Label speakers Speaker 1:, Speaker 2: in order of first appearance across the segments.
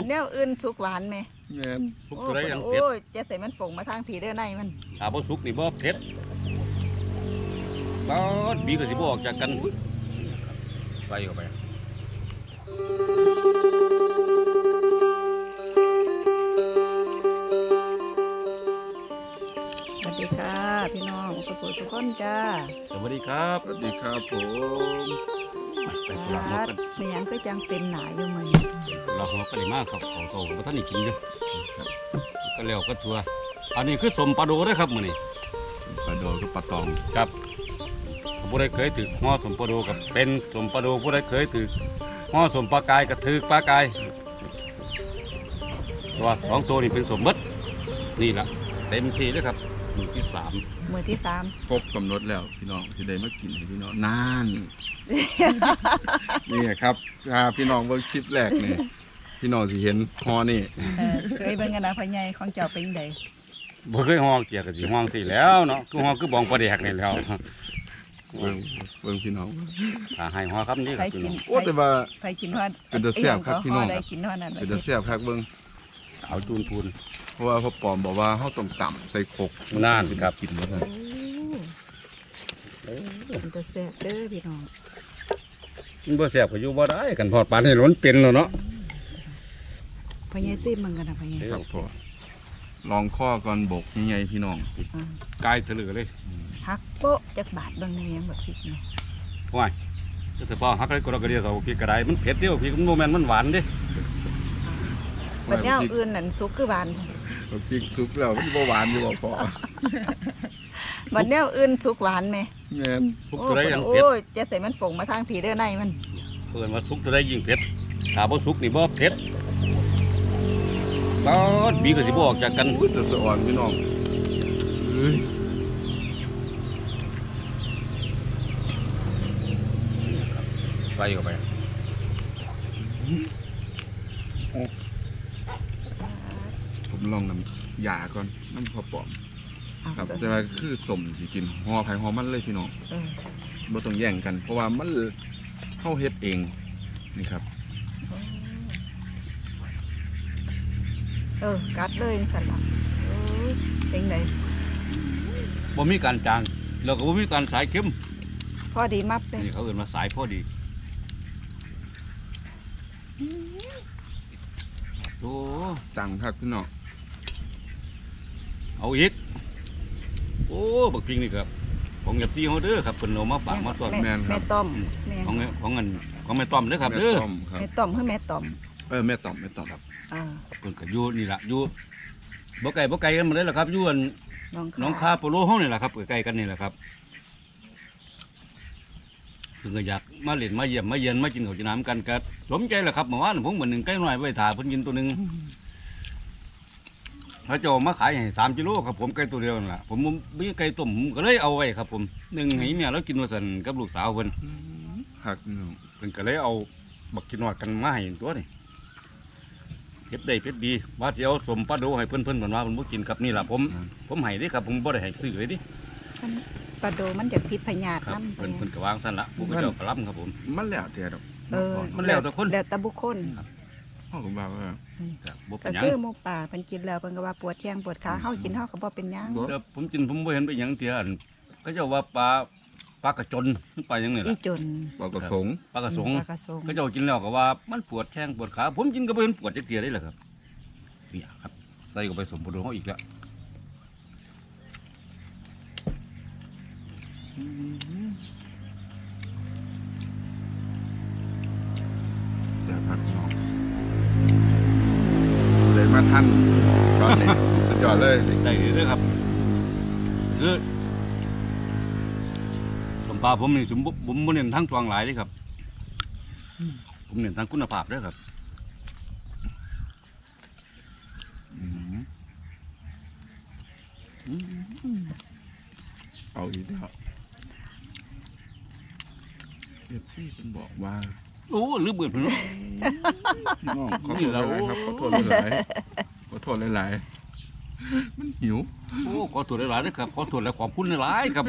Speaker 1: นแนวอื่นสุกหวานไหม
Speaker 2: แม่น
Speaker 3: สุกตัวใดยังเผ็ด
Speaker 1: โอ้ยจะใส่มันฝงมาทางผีเด้อในมัน
Speaker 3: ถ้าบ่สุกนี่บ่เผ็ดบ้าบีก็สิบ่ออกจากกันใส่เข้าไป
Speaker 1: สวัสดีค่ะพี่น้องสุขุสุขคนจ้า
Speaker 3: สวัสดีครับ
Speaker 2: สวัสดีครับผม
Speaker 3: ไปกุหลาบนกกัน
Speaker 1: ไม่ยังก็จังเต็มหนาอยู่มัน
Speaker 3: กุหลาบนกก็ได้มากครับของโตกับท่านนี่กินอยู่ก็แล้วก็ทัวอันนี้คือสมปลาโดเด้อครับมื้อนี้
Speaker 2: ปลาโดกับปลาตอง
Speaker 3: ครับผู้ใดเคยถือห่อสมปลาโดกับเป็นสมปลาโดผู้ใดเคยถือห่อสมปลากายกับถือปลากายตัวสองตัวนี่เป็นสมบัตินี่ล่ะเต็มที่เลยครับมือที่สาม
Speaker 1: มือที่สาม
Speaker 2: ครบกำหนดแล้วพี่น้องที่ได้มากินให้พี่น้องนาน นี่ครับพี่น้องเบิ่งคลิปแรกนี่พี่น้องสิเห็นฮอนี่
Speaker 1: เคยเป็นกันนะพ่อใหญ่ของเจ้าเป็นใด
Speaker 3: บ่เคยห่อเกี่ยวกับสิห่อสิแล้วเนาะคือห่อคือบองปลาแดกนี่แล้ว
Speaker 2: เบิ่งพี่น้อง
Speaker 3: ถ้าให้ห่อครับนี่
Speaker 1: ใคร
Speaker 3: คือ
Speaker 1: กิน
Speaker 2: โอ้แต่ว่า
Speaker 1: ใครกินว่า
Speaker 2: เป็นตาแซ่บครับพี่น้อง
Speaker 1: ได้กินว่านั่น
Speaker 2: เป็นตาแซ่บคักเบิ่ง
Speaker 3: เอาจูนพูน
Speaker 2: เพราะว่าพ่อปอมบอกว่าเฮาต้องต่ำใส่โคก
Speaker 3: นั่นครับ
Speaker 2: กินว่าซั่น
Speaker 1: เป็นตาแซ่บเด้อพี่น้อง
Speaker 3: มันบ่แซ่บก็อยู่บ่ได้กันพอดปานให้ล้นเป็นแล้วเนาะ
Speaker 1: พ่อใหญ่ซิมมันกันนะพ่อใหญ่
Speaker 2: ครับพ่อลองข้อก่อนบกใหญ่ๆพี่น้อง
Speaker 3: กายทะลึกเลย
Speaker 1: ฮักโป๊ะจักบาทเบางเนียงแบบพริกเนาะ
Speaker 3: ว้ายจะสิพอฮักเลยก็เราก็เดียวเอาพริกกระไดมันเผ็ดเด้อพริกมันบ่แม่นมันหวานเด้
Speaker 1: บัดแนวอื่นนั่นสุกคือหวาน
Speaker 2: พริกซุปแล้วมันบ่หวานอยู่บ่พอ
Speaker 1: บัดแนวอื่นสุกหวานไหม
Speaker 2: แม่น
Speaker 3: สุกตัวใดยังเผ็ด
Speaker 1: โอ้ยจะใส่มันฝงมาทางผีเด้อในมัน
Speaker 3: เพิ่นว่าสุกตัวใดยิ่งเผ็ดถ้าบ่สุกนี่บ่เผ็ดบ้าบีก็สิบ่ออกจากกัน
Speaker 2: อุ้ยแต่สะอ่อนพี่น้องเอ้ย
Speaker 3: ใส่เข้าไป
Speaker 2: ผมลองน้ำยาก่อนน้ำพอปอม
Speaker 1: เอา
Speaker 2: ครับ
Speaker 1: เด้อ
Speaker 2: แต่ว่าคือสมสิกินหอไผ่หอมันเลยพี่น้อง
Speaker 1: เออ
Speaker 2: บ่ต้องแย่งกัน เพราะว่ามันเฮาเฮ็ดเองนี่ครับ
Speaker 1: กัดเลยนี่กันละโอ้ยเป็นไง
Speaker 3: บ่มีการจางแล้วก็บ่มีการสายเค็ม
Speaker 1: พอดีมับเลย
Speaker 3: นี่เขาเอิ้นว่าสายพอดีโอ้
Speaker 2: จังครับพี่น้อง
Speaker 3: เอาอีกโอ้บักพริกนี่ครับของยับซี่เฮาเด้อครับเพิ่นเอามาฝากมาต้อน
Speaker 1: แม่ต้อมแม่
Speaker 3: ของเงินของแม่ต้อมเด้อครับ
Speaker 2: แม่
Speaker 3: เด้อ
Speaker 2: ต้อมครับ
Speaker 1: แม่ต้อมคือแม่ต้อม
Speaker 2: แม่ต้อมครับ
Speaker 1: อ่า
Speaker 3: เพิ่นก็อยู่นี่ล่ะอยู่บ่ไกลกันมาเลยล่ะครับอยู่อัน
Speaker 1: น้อง
Speaker 3: คาโปโลเฮานี่ล่ะครับใกล้ๆกันนี่แหละครับเพิ่นก็อยากมาเล่นมาเยี่ยมมาเยือนมากินข้าวกินน้ำกันก็สมใจแหละครับเมื่อวานผมเหมือนหนึ่งไก่น้อยไว้ถ่าเพิ่นกินตัวหนึงพระเจ้ามาขายให้3 กิโลครับผมไก่ตัวเดียวนั่นล่ะผมมีไก่ต้มผมก็เลยเอาไว้ครับผมหนึ่งให้เมียแล้วกินว่าซั่นกับลูกสาวเพิ่น
Speaker 2: หักพี่น้อง
Speaker 3: เพิ่นก็เลยเอาบักกินนอดกันมาให้ตัวนี่เผ็ดได้เผ็ดดีว่าสิเอาสมปลาโดให้เพิ่นเพิ่นว่าเพิ่นบ่กินครับนี่ล่ะผมให้เด้ครับผมบ่ได้ให้ซื้อเลยดิ
Speaker 1: ปลาโดมันจะพิษพยาธิ
Speaker 3: ครับ
Speaker 1: น้ำ
Speaker 3: เพิ่นก็วางซั่นละผู้ก็เจ้ากระลํครับผม
Speaker 2: มันแล้วแต่ดอก
Speaker 3: มันแล้วแต่คน
Speaker 1: แล้วแต่บุคคล
Speaker 2: พ่อผมว่า
Speaker 3: ครับบ่เป็
Speaker 1: ก็
Speaker 3: นหยัง
Speaker 1: คือหมูป่าเพิ่นกินแล้วเพิ่นก็ว่าปวดแข้งปวดขาเฮากินเฮาก็บ่เป็นหยัง
Speaker 3: แต่ผมกินผมบ่เห็นไปหยังเที่ยอันก็เจ้าว่าปลากระจนปลาหยังนี่
Speaker 1: อี
Speaker 3: ล่ะ
Speaker 1: จน
Speaker 2: ปลากระสง
Speaker 3: ปลากระสง
Speaker 1: ปลากระสง
Speaker 3: ก็เจ้ากินแล้วก็ว่ามันปวดแข้งปวดขาผมกินก็บ่เห็นปวดจักเที่ยได้ล่ะครับเนี่ยครับใส่ก็ไปสมบูรณ์เฮาอีกแล้ว
Speaker 2: แต่พักพี่น้องเลยมาท่านตอนนี้สุดยอดเลย
Speaker 3: ได้เด้อครับคือสมปลาผมนี่ผมบ่เน้นทั้งตวงหลายเด้ครับผมเน้นทั้งคุณภาพเด้อครับ
Speaker 2: เอาอีกแล้วที่เป็นบอกว่า
Speaker 3: โอ้ลืมเบิดเพิ่นเนาะ
Speaker 2: พี่น้องขอโทษหลายๆครับขอโทษหลายๆขอโทษหลายๆมันหิว
Speaker 3: โอ้ขอตรวจหลายๆนะครับขอตรวจและขอบคุณหลายๆครับ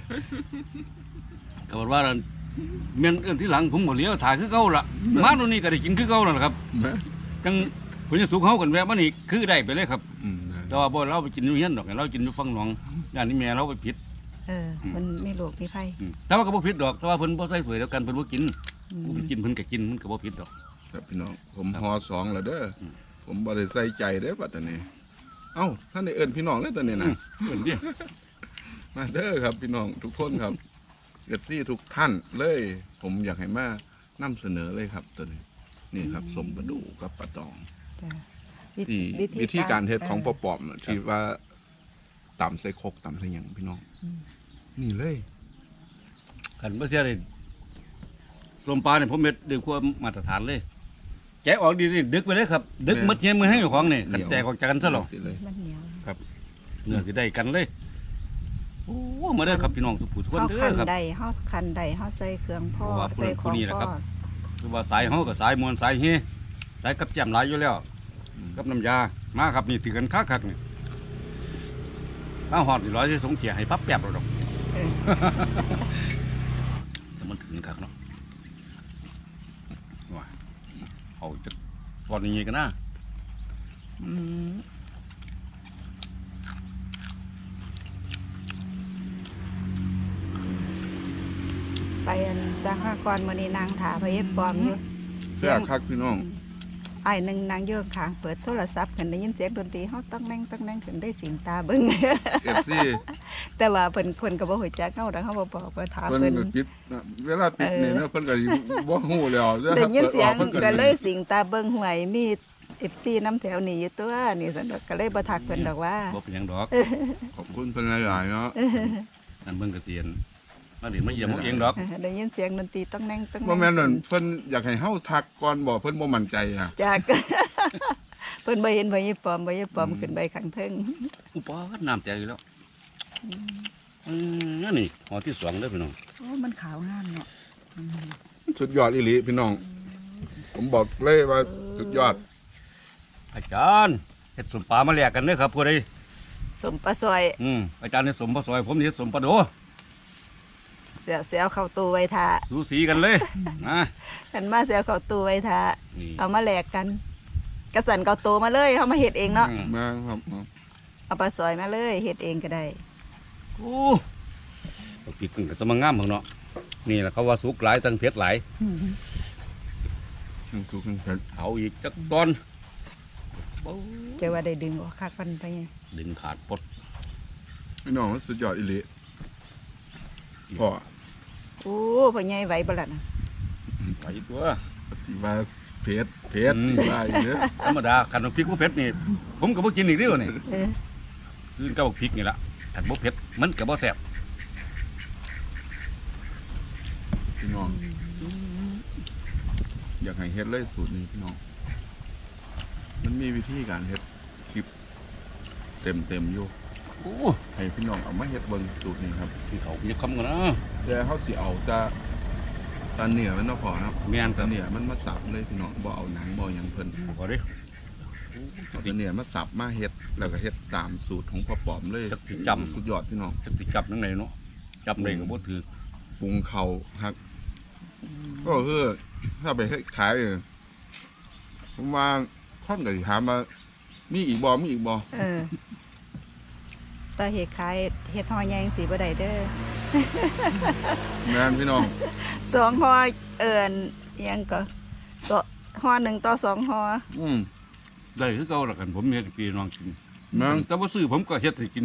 Speaker 3: ก็ว่าเมียนเอื้อนที่หลังผมก็เลี้ยวถ่ายคือเก่าล่ะมาตรงนี้ก็ได้กินคือเก่าแล้วล่ะครับ
Speaker 2: แม่
Speaker 3: จังเพิ่นจะสุกเฮากันแวะมานี่คือได้ไปเลยครับ
Speaker 2: นะ
Speaker 3: แต่ว่าบ่เราไปกินอยู่เฮียนดอกเรากินอยู่ฝั่งหนองย่านนี้แม่เราไปผิด
Speaker 1: มันมีโรคมีภัย
Speaker 3: แต่ว่าก็บ่ผิดดอกแต่ว่าเพิ่นบ่ใส่ถ้วยเดียวกันเพิ่นบ่กินผู้ไปกินเพิ่นก็กินมันก็บ่ผิดดอก
Speaker 2: ครับพี่น้องผม
Speaker 3: ครับ
Speaker 2: ห่อสองแล้วเด้ออ
Speaker 3: ม
Speaker 2: ผมบ่ได้ใส่ใจเด้อปัตตานีเอ้าท่านได้เอิ้นพี่น้องเลยตอนนี้นะ
Speaker 3: เพิ่นดิ
Speaker 2: มาเด้อครับพี่น้องทุกคนครับเอฟซีทุกท่านเลย ผมอยากให้มานำเสนอเลยครับตัวนี้นี่ครับสมประดูกับปลาตอง
Speaker 1: จ้ะ
Speaker 2: ที่วิธีการเฮ็ดของพ่อปอมน่ะที่ว่าตำใส่ครกตำใส่หยังพี่น้องนี่เลย
Speaker 3: คันบ่เสียเลยส้มปลาเนี่ยผมเฮ็ดด้วยความมาตรฐานเลยแกะออกดีๆดึกไปเลยครับ ดึกหมดเงี้ยมือให้เจ้าของนี่คันแตกออกจากกันซะหรอก
Speaker 2: สิเลย
Speaker 1: มันเหนียว
Speaker 3: เนื้อสิได้กันเลยโอ้มาเด้อครับพี่น้องทุกผู้ทุกคน
Speaker 1: เฮา
Speaker 3: เด้
Speaker 1: คั
Speaker 3: อน ครับ
Speaker 1: ใดเฮาคันใดเฮาใส่เครื่องพ่อ
Speaker 3: เพราะว่า
Speaker 1: ใส่ของ
Speaker 3: ผู้นี้แหละ
Speaker 1: พ่
Speaker 3: ครั
Speaker 1: อบ
Speaker 3: คือว่าสายเฮากับสายมวลสายเฮสายกับแจ่มหลายอยู่แล้วกับน้ำยามาครับนี่ถือกันคักๆนี่ถ้าหอดนี่ร้อยสิสงเสียให้ปั๊บแป๊บแล้วดอกแต่มันถึงคักเนาะว่าเอาจะก่อนนี้กันนะ
Speaker 1: อืมไปอันสหกรณ์มื้อนี้นางถาพระเอกปลอมอยู่
Speaker 2: แซ่บคักพี่น้อง
Speaker 1: อ้ายหนึงนางอยู่ข้างเปิดโทรศัพท์ขึ้นได้ยินเสียงดนตรีเฮาต้องแน่งขึ้นได้สิงตาเบิ่ง
Speaker 2: เอฟซี
Speaker 1: แต่ว่าเพิ่นก็บ่ฮู้จักเฮาดอกเฮาบ่บอกว่าถาม
Speaker 2: เพิ่น
Speaker 1: เพิ่น
Speaker 2: ก็ปิดนะเวลาปิดนี่เนาะเพิ่นก็สิบ่ฮู้แล้ว
Speaker 1: ได้ยินเสียง
Speaker 2: เพิ่น
Speaker 1: ก็เลยสิงตาเบิ่งหวยมี FC น้ำแถวนี้อยู่ตัวนี่ซั่นดอกก็เลยบ่ทักเพิ่นดอกว่า
Speaker 3: บ่เป็นหยังดอก
Speaker 2: ขอบคุณเพิ่นหลายๆเนาะ
Speaker 3: นั่นเบิ่งกระเตียนมาเดี๋ยวมาเยี่ยมเอาเองดอก
Speaker 1: ได้ยินเสียงดนตรีต้องแน่ง
Speaker 2: บ่แม่นนั่นเพิ่นอยากให้เฮาทักก่อนบ่เพิ่นบ่มั่นใจอ่ะ
Speaker 1: จาก เพิ่นบ่เห็นบ่ยีปลอมขึ้นไปข้างเทิง
Speaker 3: อุปกรณ์น้ำแตกอยู่แล้วนั่นนี่หอที่สองเด้อพี่น้อง
Speaker 1: โอ้มันขาวงามเนาะ
Speaker 2: สุดยอดอีหลีพี่น้อง ผมบอกเลยว่าสุดยอด
Speaker 3: อาจารย์เฮ็ดสมปลามาแลกกันเด้อครับผู้ใด
Speaker 1: สมปลาซอย
Speaker 3: อาจารย์เฮ็ดสมปลาซอยผมเฮ็ดสมปลาโด
Speaker 1: เสียวเข้าตู้ไว้ท่า
Speaker 3: สูสีกันเลยนะ
Speaker 1: หันมาเสียวเข้าตู้ไว้ท่า
Speaker 3: นี่
Speaker 1: เอามาแลกกันกระสันเกาโตมาเลยเฮามาเฮ็ดเองเนาะ
Speaker 2: มาครับ
Speaker 1: เอาปลาซอยมาเลยเฮ็ดเองก็ได้
Speaker 3: โอ้เอาปีกมันก็สมางามของเนาะนี่แหละเขาว่าสุกหลายตั้งเผ็ดหลาย
Speaker 2: ทุกคนเผ็ด
Speaker 3: เอาอีกจักตอนโอ้
Speaker 1: เจอว่าได้ดึงออกคักมันไปไง
Speaker 3: ดึงขาดปด
Speaker 2: พี่น้องมันสุดยอดอีหลีพ่อ
Speaker 1: โอ้พ่อใหญ่ไหวบ่ล่ะนะ
Speaker 3: ไปตัว
Speaker 2: ว่าเผ็ดว่าอีเด้อ
Speaker 3: ธรรมดาคันว่าพริกบ่เผ็ดนี่ผมก็บ่กินอีกเด้อนี่
Speaker 1: เออ
Speaker 3: คือกับพริกนี่ล่ะคันบ่เผ็ดมันก็บ่แซ่บ
Speaker 2: พี่น้อง อยากให้เฮ็ดเลยสูตรนี้พี่น้อง มันมีวิธีการเฮ็ดคลิปเต็มอยู่
Speaker 3: โอ้
Speaker 2: ให้พี่น้องเอามาเฮ็ดเบิ่งสูตรนี้ครับ
Speaker 3: ที่เขาจะคำกันนะ
Speaker 2: แต่เฮาสิเอาแต่ตาเนื้อมันเนาะพอเนาะ
Speaker 3: แม่นค
Speaker 2: ตา
Speaker 3: รับ
Speaker 2: เนื้อมันมาสับเลยพี่น้องบ่เอาหนังบ่หยังเพิ่น
Speaker 3: ขอดิ
Speaker 2: เอาตาเนื้อมาสับมาเฮ็ดแล้วก็เฮ็ดตามสูตรของพ่อปอมเลย
Speaker 3: จักสิจำ
Speaker 2: สุดยอดพี่น้อง
Speaker 3: จักสิจับจังไดเนาะจับได้ก็บ่ถือ
Speaker 2: ปรุงเขาครับก็คือถ้าไปให้ขายเนี่ยผมว่าค่อนกับถามมามีอีกบอมีอีกบอ
Speaker 1: เออตาเฮ็ดขายเฮ็ดห่อใหญ่จังซี่บ่ได้เด้อ
Speaker 2: แม่นพี่น้อง
Speaker 1: สองห่อเอิ้นอิหยังก็ต่อห่อหนึ่งต่อสองห่อ
Speaker 2: อืม
Speaker 3: ได้คือเก่าล่ะกันผมเฮ็ดให้พี่น้องกิน
Speaker 2: แม่น
Speaker 3: แต่บ่ซื้อผมก็เฮ็ดให้กิน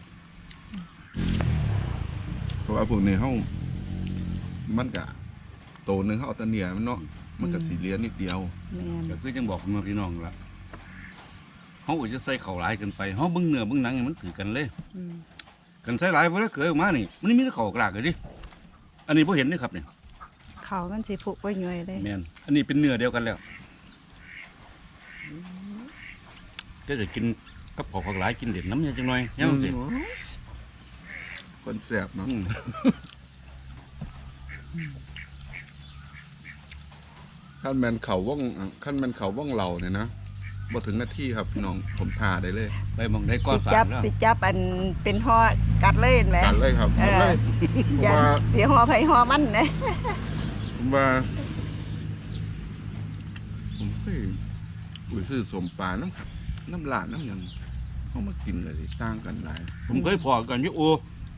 Speaker 2: เพราะว่าพวกนี้เฮามันกะโตหนึงเฮาเอาแตะเนียมันเนาะมันก็สิเหลียนิดเดียว
Speaker 1: แม่น
Speaker 3: ก็คือจังบอกพี่น้องล่ะเฮาก็จะใส่ข้าวหลายเกินไปเฮาเบิ่งเนื้อเบิ่งหนังให้มันถือกันเลย
Speaker 1: อืม
Speaker 3: กันใส่หลายบ่ได้เกิดออกมานี่มันมีแต่ข้าวกลากเลยดิอันนี้บ่เห็นเด้ครับนี่
Speaker 1: เขามันสิฟุกไว้ย่อยเลย
Speaker 3: แม่นอันนี้เป็นเนื้อเดียวกันแล้วก็จะกินกับข้าวหลายกินเด็ดน้ำยาจังหน่อยยังสิ
Speaker 2: คนแซ่บเนาะ
Speaker 3: อืม
Speaker 2: ขั้นแม่นเขาว่องขั้นแม่นเขาว่องเหล่าเนี่ยนะบ่ถึงนาทีครับพี่น้องผมทาได้เลย
Speaker 3: ไปหมองได้ก็
Speaker 1: สิ
Speaker 3: สา
Speaker 1: จั
Speaker 3: ม
Speaker 1: บ
Speaker 3: แล้ว
Speaker 1: สิจับอันเป็นห่อกัดเลยเห็นไหม
Speaker 2: จัดเลยครับ
Speaker 1: เอ
Speaker 2: หมด
Speaker 1: อ
Speaker 2: เลยผม
Speaker 1: อย่า
Speaker 2: ว่า
Speaker 1: สิห่อไผห่อมันนะ
Speaker 2: ผมว่าผมเคยไปซื้อสมปลาน้ำหลานน้ำหยังเขามากินเลยต่างกันหลาย
Speaker 3: ผมเคยพอกันอยู่โอ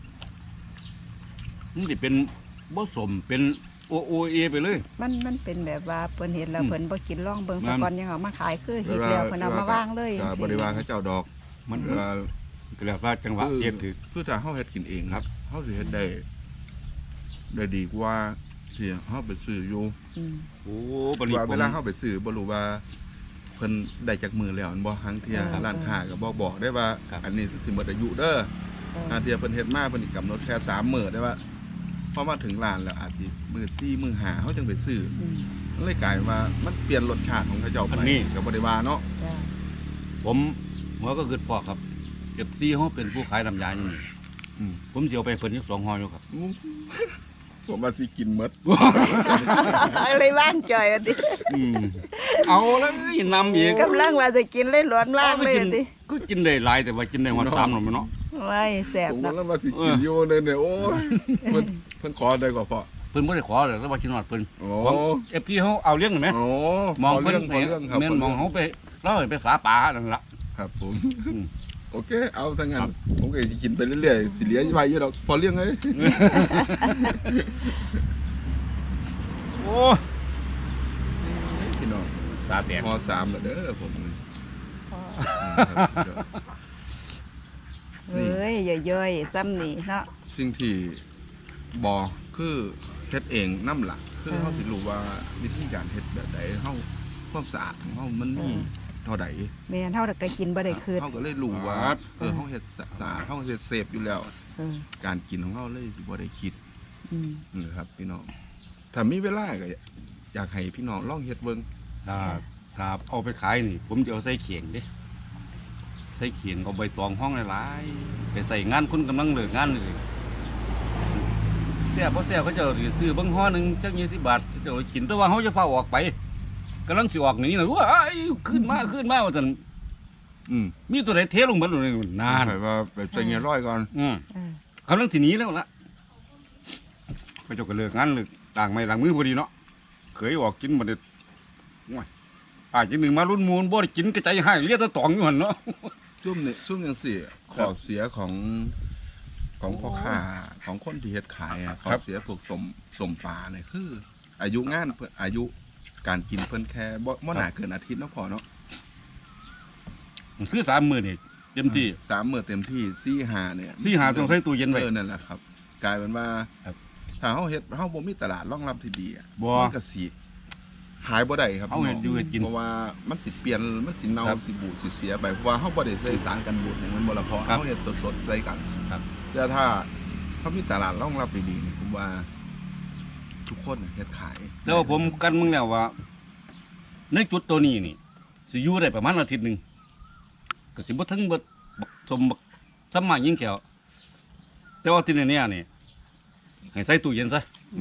Speaker 3: มันสิเป็นบ่สมเป็นโอเอไปเลย
Speaker 1: มันเป็นแบบว่าเพิ่นเห็นแล้ว
Speaker 3: อืม
Speaker 1: เพิ่นบ่กินร่องเบิ่ง
Speaker 3: นั่
Speaker 1: สะ
Speaker 3: น
Speaker 1: ก่อนยังเอามาขายคือเฮ็ดแล้วเพิ่นเอามาวางเลย
Speaker 2: ก็
Speaker 1: จัง
Speaker 2: บริวาร
Speaker 1: ซี่
Speaker 2: เขาเจ้าดอก
Speaker 3: มัน
Speaker 2: เวลา
Speaker 3: ก็แล้วว่าจังหวะเสียถือ
Speaker 2: คือถ้าเฮาเฮ็ดกินเองครับเฮาสิเฮ็ดได้ดีกว่าที่เฮาไปซื้ออยู่
Speaker 1: อืม
Speaker 3: โอ้บัดนี้
Speaker 2: ว่า
Speaker 3: ผ
Speaker 2: เว
Speaker 3: ม
Speaker 2: ลาเฮาไปซื้อบ่รู้ว่าเพิ่นได้จากมือแล้วอันบ่หังเที่ยร้านค้าก็บ่บอกได้ว่า อันนี้สิหมดอายุเด้อ อาเทียเพิ่นเฮ็ดมาเพิ่นสิกำหนดแค่3มื้อได้ว่าพอมาถึงร้านแล้วอาจสิมื้อ4มื้อ5เฮาจังไปซื้อ
Speaker 1: อืม
Speaker 2: มันเลยกลายว่ามันเปลี่ยนรสชาติของเขาเจ้าไปก็บ่ได้ว่าเนาะ
Speaker 1: จ้ะ
Speaker 3: ผมหัวก็คือพ่อครับเก็บซี่เขาเป็นผู้ขายน้ำยาอยู่นี่
Speaker 2: อืม
Speaker 3: ผมสิเอาไปเพิ่นอีก2ห่ออยู่ครับ
Speaker 2: ผมว่าสิกินหมด
Speaker 1: อะไรว่างจ่อยว่าติ
Speaker 3: เอาแล้วนำอีก
Speaker 1: กำลังว่าจะกินเลยหลวนว่างเลยว่าติ
Speaker 3: ก็กินได้หลายแต่ว่ากินได้หมด3หน่อยเนาะ
Speaker 1: ไว้แซ่บ
Speaker 2: ผม
Speaker 1: เนาะ
Speaker 2: กำลังว่าสิกินอยู่เนี่ยโอ้ยเพิ่นขอได้กว่าพ่อ
Speaker 3: เพิ่นบ่ได้ขอเลยแต่ว่ากินฮอดเพิ่น
Speaker 2: โอ้
Speaker 3: ของ FT เฮาเอาเลี้ยงได้ไหม
Speaker 2: โอ้
Speaker 3: มอง
Speaker 2: พ
Speaker 3: เพิ่น
Speaker 2: เรื่องครับ
Speaker 3: แม่นมองเฮาไปเราไปสาป่านั่นล่ะ
Speaker 2: ครับผม
Speaker 3: อืม
Speaker 2: โอเค เอาทั้งนั้
Speaker 3: ครั
Speaker 2: น
Speaker 3: บ
Speaker 2: ผมก็สิกินไปเรื่อยๆสิเหลือไว้อยู่ดอกพอเรื่องเอ้ย
Speaker 3: โอ้
Speaker 2: พี่น้อง
Speaker 3: ตาแตก
Speaker 2: ม.3แล้วเด้อผม
Speaker 1: เอ้ยย่อยๆซ้ำนี่เนาะ
Speaker 2: สิ่งที่บ่คือเฮ็ดเองนำหลักคือเฮาสิรู้ว่าวิธีการเฮ็ดแบบใดเฮาความสะอาดของเฮามันมีเท่าใด
Speaker 1: แม่นเฮาก็กินบ่ได้คืน
Speaker 2: เฮาก็เลยรู้ว่าเฮาเฮ็ดสะอาดเฮาเฮ็ดเซฟอยู่แล้ว
Speaker 1: เออ
Speaker 2: การกินของเฮาเลยสิบ่ได้คิด
Speaker 1: อืม
Speaker 2: นะครับพี่น้องถ้ามีเวลาก็อยากให้พี่น้องลองเฮ็ดเบิ่ง
Speaker 3: ถ้าเอาไปขายนี่ ผมจะเอาใส่เขียงเด้ใส่เขียงเอาใบตองห้องหลายๆไปใส่งานคนกำลังเลิกงานนี่แซ่บบ่แซ่บเขาจะซื้อเบิ่งห่อหนึงจัก20 บาทเขาจะเอากินแต่ว่าเฮาจะฟ้าออกไปกำลังสิออกหนีน่ะว้ายขึ้นมาว่าซั่น
Speaker 2: อืม
Speaker 3: มีตัวไหนเทลงเบิดเลยนาน
Speaker 2: ให้ว่าไปใส่เงี้ยร้อยก่อน
Speaker 1: เออก
Speaker 3: ำลังสิหนีแล้วล่ะไปเจาก็เลิกงานเลิกต่างไม้ต่างมือพอดีเนาะเคยออกกินบ่ได้โอ้ยอาจจะหนึ่งมารุ่นมูลบ่ได้กินกระจายให้เรียกตะตองอยู่หั่นเนาะ
Speaker 2: ซุ่มนี่ซุ่มจังซี่ขอเสียของพ่อค้าของคนที่เฮ็ดขายอ่ะขอเสียพวกสมปลาเนี่ยคือ อายุงานเพิ่นอายุการกินเพิ่นแค่บ่น่าเกินอาทิตย์เนาะพอเนาะ
Speaker 3: มันคือ30,000นี่เต็มที่
Speaker 2: 3มื้อเต็มที่4 5เนี่ย
Speaker 3: 4 5ต้องใส่ตู้เย็นไว้
Speaker 2: นั่นแหละครับ กลายเป็นว่า
Speaker 3: ครับ
Speaker 2: ถ้าเฮาเฮ็ดเฮาบ่มีตลาดรองรับที่ดีอ่ะ
Speaker 3: บ่
Speaker 2: มันก็สิขายบ่ได้ครับ
Speaker 3: เฮาเฮ็ดอยู่เฮ็ดกิน
Speaker 2: เพราะว่ามันสิเปลี่ยนมันสิเน่า
Speaker 3: ครับ
Speaker 2: สิบูดสิเสียไปเพราะว่าเฮาบ่ได้ใส่สารกันบูดอย่างมันบ่ละพอ
Speaker 3: ครับ
Speaker 2: เฮาเฮ็ดสดๆใส่กัน
Speaker 3: ครับ
Speaker 2: แต่ถ้าเขามีตลาดรองรับดีๆนี่ผมว่า ทุกคนเฮ็ดขาย
Speaker 3: แล้วผมกันมึงแล้วว่า ในจุดตัวนี้นี่สิอยู่ได้ประมาณอาทิตย์หนึงก็สิบ่ถึงบ่บักสมบักสมมายิ่งแก้วแต่ว่าที่เนี่ยนี่ให้ใส่ตู้เย็นซะ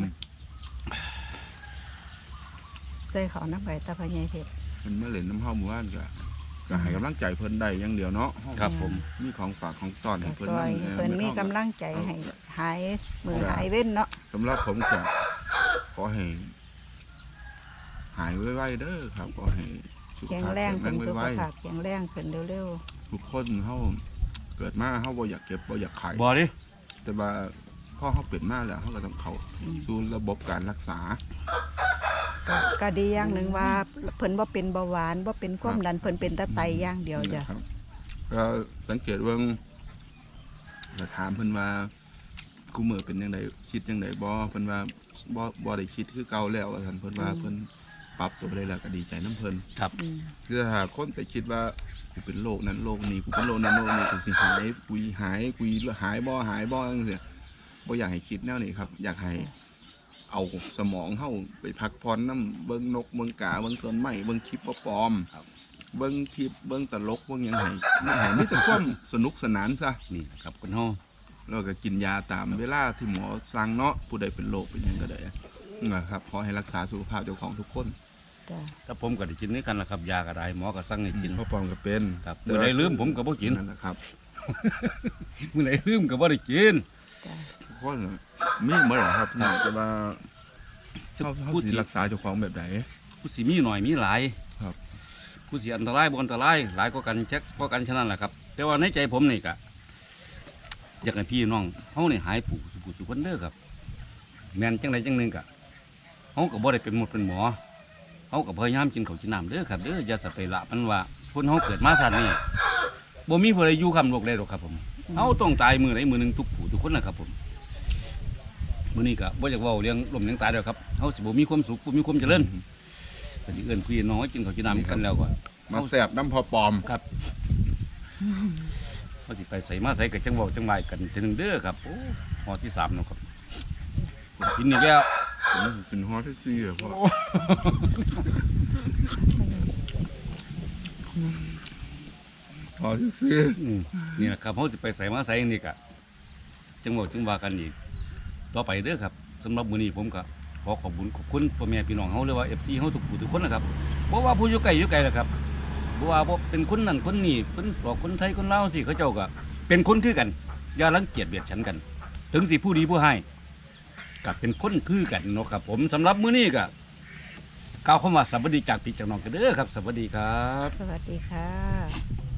Speaker 1: ใส่ข้าวน้ำใบตาพะใหญ่เพชร
Speaker 2: มันมาเล่นน้ำเฮาหมู่บ้านก็ให้กำลังใจเพิ่นได้อย่างเดียวเนาะเฮา
Speaker 3: ครับผม
Speaker 2: มีของฝากของต้อน
Speaker 1: ก็
Speaker 2: ให้เพิ่น
Speaker 1: ซอย
Speaker 2: นั่น
Speaker 1: เพิ่นมีกำลังใจให้หายมือหายเว้นเนาะ
Speaker 2: สำหรับผมก็ขอให้หายไวๆเด้อครับขอให้สุข
Speaker 1: แข็ง
Speaker 2: ภาพ
Speaker 1: แรง
Speaker 2: แข็
Speaker 1: เพิ่น
Speaker 2: ง
Speaker 1: สุข
Speaker 2: ไว
Speaker 1: ภาพแข็งแรงขึ้นเร็ว
Speaker 2: ๆทุกคนเฮาเกิดมาเฮาบ่อยากเก็บบ่อยากขาย
Speaker 3: บ่ดิ
Speaker 2: แต่ว่าพอเฮาเป็นมาแล้วเฮาก็ต้องเข้าสู่ระบบการรักษา
Speaker 1: ๆก็ดีอย่างหนึ่งว่าเพิ่นบ่เป็นเบาหวานบ่เป็นความดันเพิ่นเป็นแตะไตอย่างเดียวจ้ะ
Speaker 2: นะครับก็สังเกตว่าจะถามเพิ่นว่ากูมือเป็นยังไงคิดยังไงบ่เพิ่นว่าบ่ได้คิดคือเก่าแล้วว่าซั่นเพิ่นว่าเพิ่นปรับตัวได้แล้วก็ดีใจน้ำเพิ่น
Speaker 3: ครับ
Speaker 1: อืม
Speaker 2: คือถ้าคนไปคิดว่ากูเป็นโรคนั้นโรคนี้กูเป็นโรคนั้นโรคนี้กูสิหายกูหายจังซี่บ่อยากให้คิดแนวนี้ครับ อยากให้เอาสมองเฮาไปพักผ่อนนำเบิ่งนกเบิ่งกาเบิ่งต้นไม้เบิ่งคลิปปลอมๆเบิ่งคลิปเบิ่งตลกเบิ่งหยังให้มีแต่ความสนุกสนานซะ
Speaker 3: นี่ครับคุณเฮา
Speaker 2: แล้วก็กินยาตามเวลาที่หมอสั่งเนาะผู้ใดเป็นโรคเป็นหยังก็ได้นะครับขอให้รักษาสุขภาพเจ้าของทุกคน
Speaker 1: จ้ะ
Speaker 3: ถ้าผมก็ได้กินด้วยกันล่ะครับยาก็ได้หมอก็สั่งให้กิน
Speaker 2: พ่อปอมก็เป็น
Speaker 3: ครับมื้อใดลืมผมก็บ่กิน
Speaker 2: นั่นแหละครับ
Speaker 3: มื้อไหนลืมก็บ่ได้กิน
Speaker 1: จ้ะ
Speaker 2: ทุกคนมีเมื่อไหร่ครับแต่ว่าเขาสิรักษาเจ้าของแบบไหน
Speaker 3: ผู้สิมีหน่อยมีหลาย
Speaker 2: ครับ
Speaker 3: ผู้สิอันตรายบ่อันตรายหลายกว่ากันแจ็คกว่ากันฉะนั้นแหละครับ แต่ว่าในใจผมนี่ก็อยากให้พี่น้องเฮานี่หายผู้สุคนเด้อครับแม่นจังใดจังหนึงก็เฮาก็บ่ได้เป็นหมดเป็นหมอเฮาก็พยายามกินข้าวกินน้ำเด้อครับเด้ออย่าสะไปละมันว่าคนเฮาเกิดมาชาตินี้บ่มีผู้ใดอยู่คำโลกได้หรอกครับผมเฮาต้องตายมื้อใดมื้อหนึงทุกผู้ทุกคนนะครับผมมื้อนี้ก็บ่อยากเว้าเรื่องล้มเรื่องตายแล้วครับเฮาสิบ่มีความสุขบ่มีความเจริญก็สิเอิ้นพี่น้องให้กินข้าวกินน้ำกันแล้วก็
Speaker 2: มาแสบน้ำพอปลอม
Speaker 3: ครับเขาสิไปใส่มาใส่กับจังหวะจังหวะกันทีหนึงเด้อครับโอ้หอที่3เนาะครับกินนี่แล้ว
Speaker 2: ผมเป็นฮอตที่4อ่ะพ่อฮอตที่
Speaker 3: นี่แหละครับเขาสิไปใส่มาใส่นี่กะจังหวะจังหวะกันอีกต่อไปเด้อครับสำหรับมื้อนี้ผมก็ขอขอบคุณพ่อแม่พี่น้องเฮาหรือว่า FC เฮาทุกผู้ทุกคนนะครับเพราะว่าผู้อยู่ไกลอยู่ไกลแหละครับเพราะว่าบ่เป็นคนนั่นคนนี้เป็นบอกคนไทยคนลาวสิเขาเจ้าก็เป็นคนคือกันอย่ารังเกียจเบียดฉันกัน ถึงสิผู้ดีผู้ให้ก็เป็นคนคือกันเนาะครับผมสำหรับมื้อนี้ก็กล่าวคำว่าสวัสดีจากพี่จากน้องกันเด้อครับสวัสดีครับ
Speaker 1: สวัสดีค่ะ